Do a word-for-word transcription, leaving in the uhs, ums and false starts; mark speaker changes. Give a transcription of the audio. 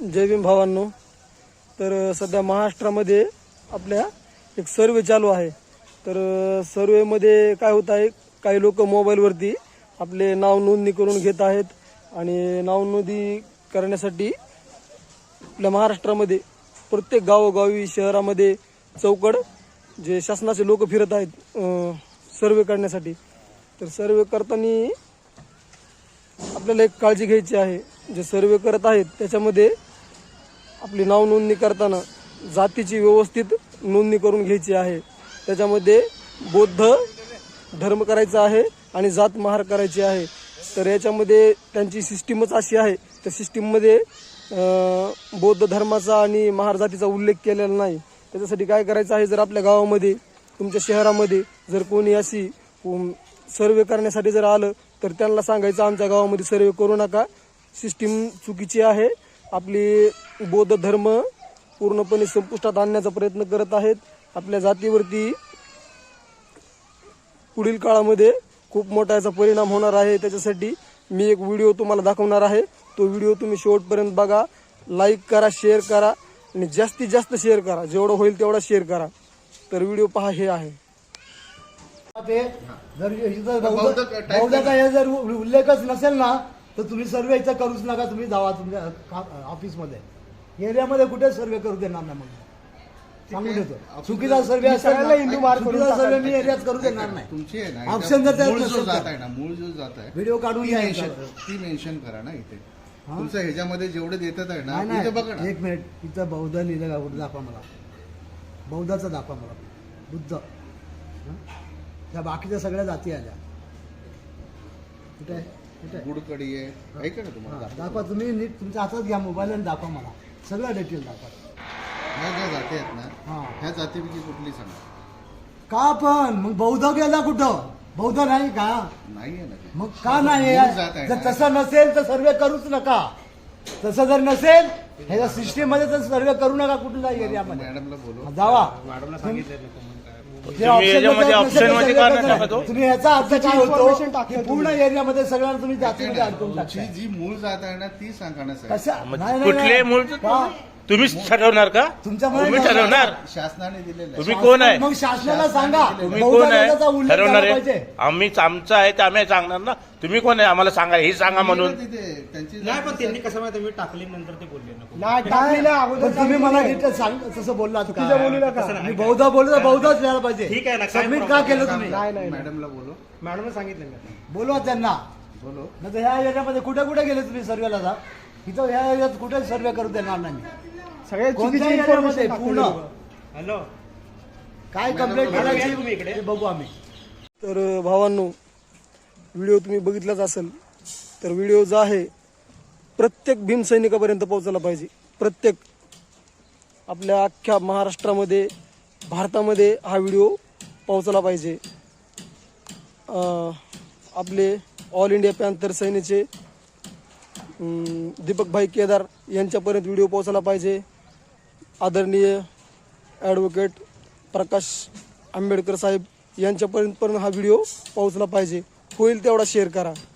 Speaker 1: जय भीम भावांनो. तर सध्या महाराष्ट्रामध्ये आपल्या एक सर्वे चालू आहे. तर सर्वेमध्ये काय होत आहे, काही लोक मोबाईलवरती आपले नाव नोंदणी करून घेत आहेत आणि नाव नोंदणी करण्यासाठी आपल्या महाराष्ट्रामध्ये प्रत्येक गावोगावी शहरामध्ये चौकड जे शासनाचे लोक फिरत आहेत सर्वे करण्यासाठी. तर सर्वे करताना आपल्याला एक काळजी घ्यायची आहे. जे सर्वे करत आहेत त्याच्यामध्ये आपली नाव नोंदणी करताना जातीची व्यवस्थित नोंदणी करून घ्यायची आहे. त्याच्यामध्ये बौद्ध धर्म करायचा आहे आणि जात महार करायची आहे. तर याच्यामध्ये त्यांची सिस्टीमच अशी आहे, त्या सिस्टीममध्ये बौद्ध धर्माचा आणि महार जातीचा उल्लेख केलेला नाही. त्याच्यासाठी काय करायचं आहे, जर आपल्या गावामध्ये तुमच्या शहरामध्ये जर कोणी अशी सर्वे करण्यासाठी जर आलं तर त्यांना सांगायचं आमच्या गावामध्ये सर्वे करू नका, सिस्टीम चुकीची आहे. आपली बौद्ध धर्म पूर्णपणे संपुष्टात आणण्याचा प्रयत्न करत आहेत. आपल्या जातीवरती पुढील काळामध्ये खूप मोठा याचा परिणाम होणार आहे. त्याच्यासाठी मी एक व्हिडिओ तुम्हाला दाखवणार आहे. तो व्हिडिओ तुम्ही शेवटपर्यंत बघा, लाईक करा, शेअर करा आणि जास्तीत जास्त शेअर करा, जेवढं होईल तेवढा शेअर करा. तर व्हिडिओ पहा, हे आहे
Speaker 2: ते. जर बौद्धाचा हे जर उल्लेखच नसेल ना तर तुम्ही सर्वे इथं करूच नका. तुम्ही जावा तुमच्या ऑफिसमध्ये, एरियामध्ये कुठे सर्वे करू देणार नाही. मग सांगून देतो, चुकीचा सर्वे हिंदू मार्ग सर्वे मी एरियात करू देणार नाही.
Speaker 3: तुमची आहे ना
Speaker 2: ऑप्शन जर
Speaker 3: मूळ जो जात आहे ना, मूळ जो जात आहे
Speaker 2: व्हिडिओ काढून घ्या,
Speaker 3: ती मेन्शन करा ना इथे. तुमचं ह्याच्यामध्ये जेवढे देतात आहे ना इथे बघा ना.
Speaker 2: एक मिनिट, इथं बौद्ध लिहिलं का कुठे दाखवा मला, बौद्धाचा दाखवा मला, बुद्ध. त्या बाकीच्या सगळ्या जाती आल्या कुठे आहे?
Speaker 3: गुडकडी आहे, ऐका ना तुम्हाला
Speaker 2: दाखवा. तुम्ही नीट तुमच्या हातात घ्या मोबाईल आणि दाखवा मला सगळं डिटेल दाखवा.
Speaker 3: ह्या ज्या जाती आहेत ना, ह्या जातीपैकी कुठली सांगा
Speaker 2: का? पण मग बौद्ध गेला कुठं? बौद्ध नाही का?
Speaker 3: नाही आहे ना.
Speaker 2: मग का नाही? जर तसं नसेल तर सर्वे करूच नका. तसं जर नसेल ह्याच्या सिस्टीम मध्ये तर सर्वे करू नका कुठल्या एरियामध्ये.
Speaker 3: मॅडमला बोलू,
Speaker 2: जावा. तुम्ही याचा अर्थ काय होतो की पूर्ण एरियामध्ये सगळ्यांना तुम्ही जातीमध्ये अडकून टाकता.
Speaker 3: जी मूळ जात आहे ना ती सांगा ना साहेब.
Speaker 2: कसं
Speaker 4: कुठले मूळ तुम्हीच ठरवणार का? तुम्ही ठरवणार,
Speaker 3: शासनाने दिलेलं.
Speaker 4: तुम्ही कोण आहे?
Speaker 2: मग शासनाला सांगा
Speaker 4: तुम्ही कोण आहे? ठरवणार आहे. आम्ही आमचं आहे ते आम्ही सांगणार ना. तुम्ही कोण आहे आम्हाला सांगा, हे सांगा म्हणून.
Speaker 3: त्यांची
Speaker 5: नाही, पण त्यांनी कसं माहिती मी टाकली नंतर ते बोलले
Speaker 2: ना. तुम्ही मला डिटेल सांग, तसं बोललात का? मी बौद्ध बोललो, बौद्धच लिहायला पाहिजे.
Speaker 5: ठीक आहे ना.
Speaker 2: सबमिट का केलं तुम्ही?
Speaker 3: मॅडमला बोलू,
Speaker 5: मॅडम सांगितलं मी.
Speaker 2: बोलवा त्यांना.
Speaker 3: बोलो.
Speaker 2: नाही तर ह्या एरियामध्ये कुठे कुठे गेले तुम्ही सर्वेला? जा इथं ह्या एरियात कुठे सर्वे करू देणार नाही. सगळे कोणत्या एरियामध्ये पूर्ण
Speaker 5: हॅलो
Speaker 2: काय कंप्लेंट करायची ते बघू आम्ही.
Speaker 1: तर भावांनो, व्हिडिओ तुम्ही बघितलाच असेल. तर व्हिडिओ जो आहे प्रत्येक भीम सैनिकापर्यंत पोहोचला पाहिजे. प्रत्येक आपल्या अख्ख्या महाराष्ट्रामध्ये, भारतामध्ये हा व्हिडिओ पोहोचला पाहिजे. आपले ऑल इंडिया पॅन्थर सेनेचे दीपक भाई केदार यांच्यापर्यंत व्हिडिओ पोहोचला पाहिजे. आदरणीय ॲडव्होकेट प्रकाश आंबेडकर साहेब यांच्यापर्यंत पण हा व्हिडिओ पोहोचला पाहिजे. होईल तेवढा शेअर करा.